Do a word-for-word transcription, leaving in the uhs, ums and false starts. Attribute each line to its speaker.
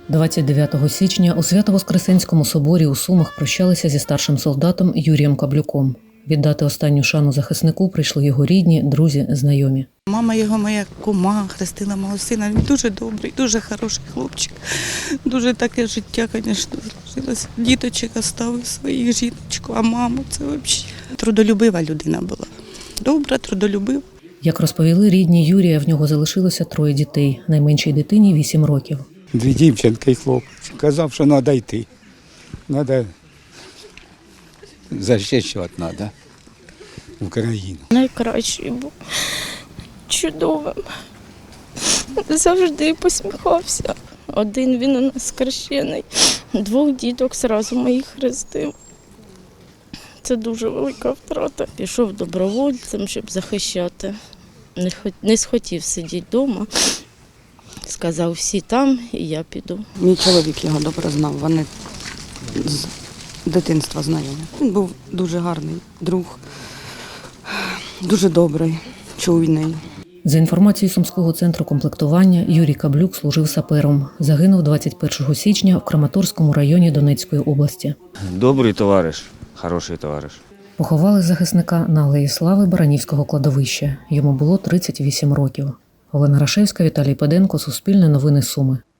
Speaker 1: двадцять дев'ятого січня у Свято-Воскресенському соборі у Сумах прощалися зі старшим солдатом Юрієм Каблюком. Віддати останню шану захиснику прийшли його рідні, друзі, знайомі.
Speaker 2: Мама його, моя кума, хрестила мого сина. Він дуже добрий, дуже хороший хлопчик. Дуже таке життя, звісно, зложилося. Діточок оставив своїх, жіночку, а маму це взагалі. Трудолюбива людина була. Добра, трудолюбива.
Speaker 1: Як розповіли рідні Юрія, в нього залишилося троє дітей. Найменшій дитині – вісім років.
Speaker 3: Дві дівчинки і хлопець. Казав, що треба йти. Треба захищати треба Україну.
Speaker 4: Найкращий був, чудовим. Завжди посміхався. Один він у нас хрещений, двох діток зразу моїх хрестив. Це дуже велика втрата. Пішов добровольцем, щоб захищати. Не, хот... Не схотів сидіти вдома. Сказав, всі там, і я піду.
Speaker 5: Мій чоловік його добре знав, вони з дитинства знайомі. Він був дуже гарний друг, дуже добрий, чуйний.
Speaker 1: За інформацією Сумського центру комплектування, Юрій Каблюк служив сапером. Загинув двадцять першого січня в Краматорському районі Донецької області.
Speaker 6: Добрий товариш, хороший товариш.
Speaker 1: Поховали захисника на Алеї Слави Баранівського кладовища. Йому було тридцять вісім років. Олена Рашевська, Віталій Педенко, Суспільне новини Суми.